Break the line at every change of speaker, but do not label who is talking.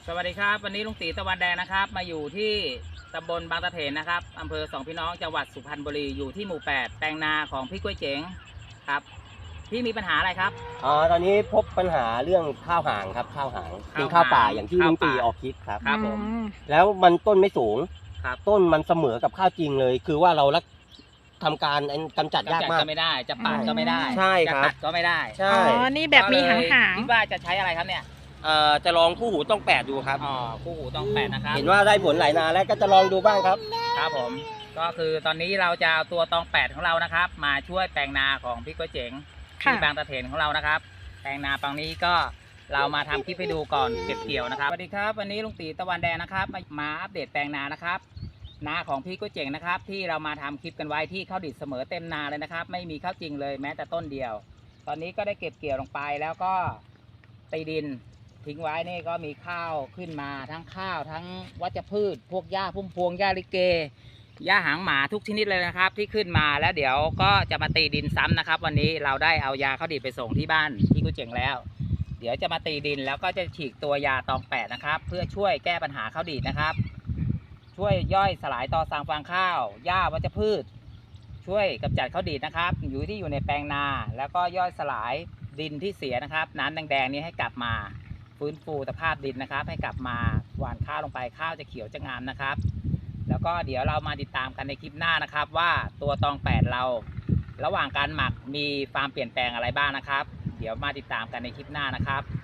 สวัสดีครับวันนี้ลุงตีตะวันแดงนะครับมาอยู่ที่ตำบลบางตะเถนนะครับอำเภอสองพี่น้องจังหวัดสุพรรณบุรีอยู่ที่หมู่ 8แปลงนาของพี่กล้วยเจ๋งครับพี่มีปัญหาอะไรครับ
ตอนนี้พบปัญหาเรื่องข้าวหางครับข้าวหางเป็นข้าวป่าอย่างที่ลุงตีออกคลิปครับ
ครับผม
แล้วมันต้นไม่สูง
ครับ
ต้นมันเสมอกับข้าวจริงเลย คือว่าเราทำการกำจัดยากมาก
ก็ไม่ได้จะปาดก็ไม่ได้
ใช่ครับ
จะตัดก็ไม่ได้
ใช่
นี่แบบมีหาง
คิดว่าจะใช้อะไรครับเนี่ย
จะลองคู่หูต้อง8ดูครับ
คู่หูต้อง8นะครับ
เห็นว่าได้ผลหลายนาแล้วก็จะลองดูบ้างครับ
ครับผมก็คือตอนนี้เราจะเอาตัวตอง8ของเรานะครับมาช่วยแปลงนาของพี่กล้วยเจ๋งที่บางตะเถนของเรานะครับแปลงนาปังนี้ก็เรามาทำคลิปให้ดูก่อนเก็บเกี่ยวนะครับสวัสดีครับวันนี้ลุงตีตะวันแดงนะครับมาอัปเดตแปลงนานะครับนาของพี่กล้วยเจ๋งนะครับที่เรามาทำคลิปกันไว้ที่ข้าวดิบเสมอเต็มนาเลยนะครับไม่มีข้าวจริงเลยแม้แต่ต้นเดียว ตอนนี้ก็ได้เก็บเกี่ยวลงไปแล้วก็ตีดินทิ้งไว้นี่ก็มีข้าวขึ้นมาทั้งข้าวทั้งวัชพืชพวกหญ้าพุ่มพวงหญ้าลิเกหญ้าหางหมาทุกชนิดเลยนะครับที่ขึ้นมาแล้วเดี๋ยวก็จะมาตีดินซ้ำนะครับวันนี้เราได้เอายาข้าวดิบไปส่งที่บ้านพี่กุ้ยเจ๋งแล้วเดี๋ยวจะมาตีดินแล้วก็จะฉีกตัวยาตอง8นะครับเพื่อช่วยแก้ปัญหาข้าวดีดนะครับช่วยย่อยสลายต่อสั่งฟางข้าวหญ้าวัชพืชช่วยกำจัดข้าวดีดนะครับอยู่ในแปลงนาแล้วก็ย่อยสลายดินที่เสียนะครับน้ำแดงๆนี้ให้กลับมาฟื้นฟูสภาพดินนะครับให้กลับมาหว่านข้าวลงไปข้าวจะเขียวจะงามนะครับแล้วก็เดี๋ยวเรามาติดตามกันในคลิปหน้านะครับว่าตัวตอง8เราระหว่างการหมักมีความเปลี่ยนแปลงอะไรบ้างนะครับเดี๋ยวมาติดตามกันในคลิปหน้านะครับ